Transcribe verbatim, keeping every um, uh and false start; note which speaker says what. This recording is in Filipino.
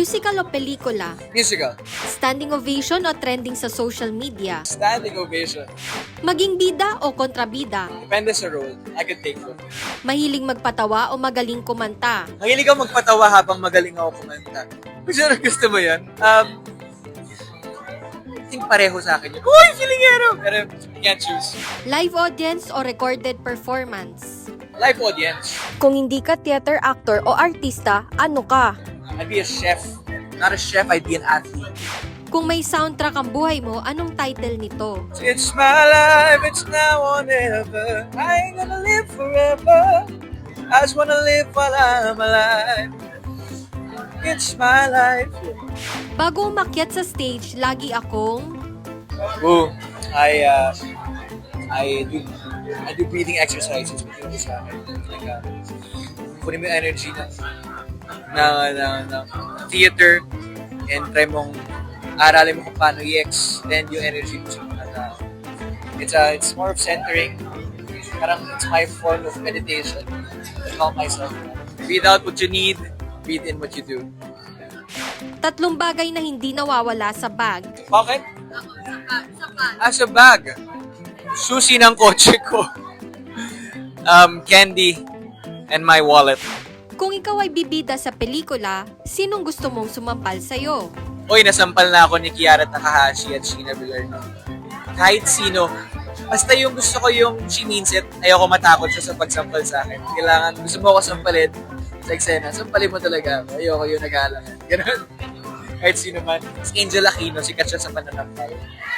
Speaker 1: Musical o pelikula?
Speaker 2: Musical.
Speaker 1: Standing ovation o trending sa social media?
Speaker 2: Standing ovation.
Speaker 1: Maging bida o kontrabida?
Speaker 2: Depende sa role. I could take both.
Speaker 1: Mahiling magpatawa o magaling kumanta?
Speaker 2: Mahilig ako magpatawa habang magaling ako kumanta. Gusto, gusto mo yun? Um, I think pareho sa akin yun. Uy, feelingero! Pero you can't choose.
Speaker 1: Live audience o recorded performance?
Speaker 2: Live audience.
Speaker 1: Kung hindi ka theater actor o artista, ano ka?
Speaker 2: I'd be a chef. Not a chef, I'd be an athlete.
Speaker 1: Kung may soundtrack ang buhay mo, anong title nito?
Speaker 2: It's my life, it's now or never. I ain't gonna live forever. I just wanna live while I'm alive. It's my life.
Speaker 1: Bago umakyat sa stage, lagi akong...
Speaker 2: Ooh, I, uh, I do, I do breathing exercises with you sa akin. Like, uh, kunin mo yung energy ng, ng, ng, ng theater and try mong aralin mo kung paano i-extend yung energy mo sa mga tao. It's, uh, it's more of centering. Parang it's my form of meditation to calm myself. Breathe out what you need, breathe in what you do.
Speaker 1: Tatlong bagay na hindi nawawala sa bag.
Speaker 2: Bakit? Ah, sa bag. Susi ng kotse ko. um, candy, and my wallet.
Speaker 1: Kung ikaw ay bibida sa pelikula, sinong gusto mong sumampal sa'yo?
Speaker 2: Uy, nasampal na ako ni Kiara Takahashi at Sheena Villarno. Kahit sino, basta yung gusto ko yung she means it, ayoko matakot siya sa pagsampal sa akin. Kailangan, gusto mo ako sampalin sa eksena, sampalin mo talaga ako. Ayoko yung nag-aalangan. Ganun. Kahit sino man. Si Angel Aquino, sikat siya sa pananampal.